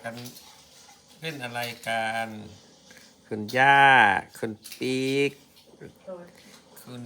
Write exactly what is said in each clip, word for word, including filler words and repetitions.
กันเล่นอะไรกันคุณย่าคุณปีกคุณ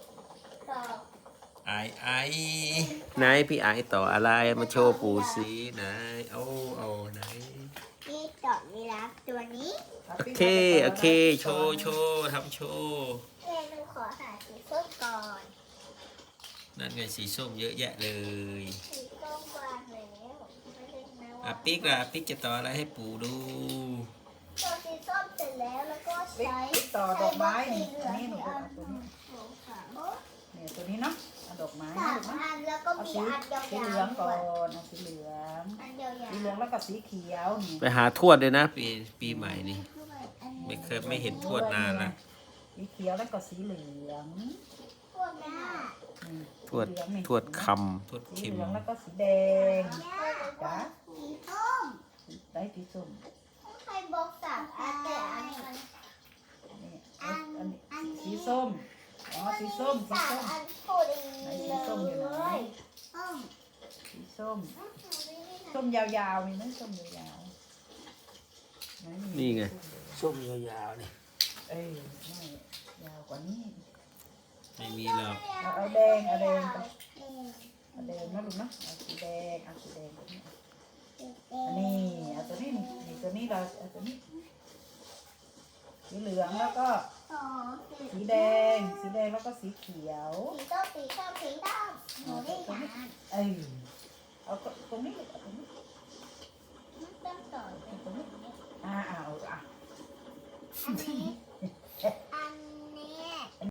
ไอไอไหนพี่ไอต่ออะไรมาโชว์ปูสีไหนเอาเอาไหนนี่ดอกยีราฟตัวนี้โอเคโอเคโชว์โชว์ทำโชว์เอ๊ะหนูขอหาสีส้มก่อนนั่นไงสีส้มเยอะแยะเลยสีส้มวางแล้วไม่เล่นนะว่าอ่ะปิ๊กล่ะปิ๊กจะต่ออะไรให้ปู่ดูตัวสีส้มเสร็จแล้วแล้วก็ใช้ต่อดอกไม้นี่ใช้อันนี้หนูบล็เอาอกสีตัวเหลืนี้องสองสามเนี่ยตัวนี้เนาะเอาดอกไม้สานะมลูกนะอันแล้วก็เอามีสีอันยาวสีๆเหลืองก่อด้วยนเอาสีเหลืองอันยาวๆสีเหลืองแล้วก็สีเขียวนี่ไปหาทวดเลยนะปีปีใหม่นี่ไม่เคยไม่เห็นทวดนานละสีเขียวแล้วก็สีเหลืองพวกหน้านี่ทวดสีเหลืองนี่ทวดคำทวดสีคิมเหลืองแล้วก็สีแดงจ้าสีส้มได้สีส้มใครบอกสามอันแต่อันนี้มันนี่อันอันนี้สีส้มอ๋อสีส้มสีสามส้มอันพอดีไหนเลสีส้มอยู่ไหนยส้มสีส้มส้มยาวๆมีไหมส้มยาวๆไหมีนี่ไงส้มยาวๆนี่เอ้ยไม่ยาวกว่านี้ไม่มีหรอกเอาเอาแดงเอาแดงไปเอาแดงนะลูกนะเอาสีแดงเอาสีแดงตัวนี้อันนี้เอาตัวนี้นี่นี่ตัวนี้เราเอาตัวนี้สีเหลืองแล้วก็สองสีสีแดงสีแดงแล้วก็สีเขียวสีส้มสีส้มสีดำหนูได้ทานเอ้ยเอาตรงนี้ลูกเอาตรงนี้ต้องต่อไปเอาตรงนี้อ่าเอาอ่ะอันนี้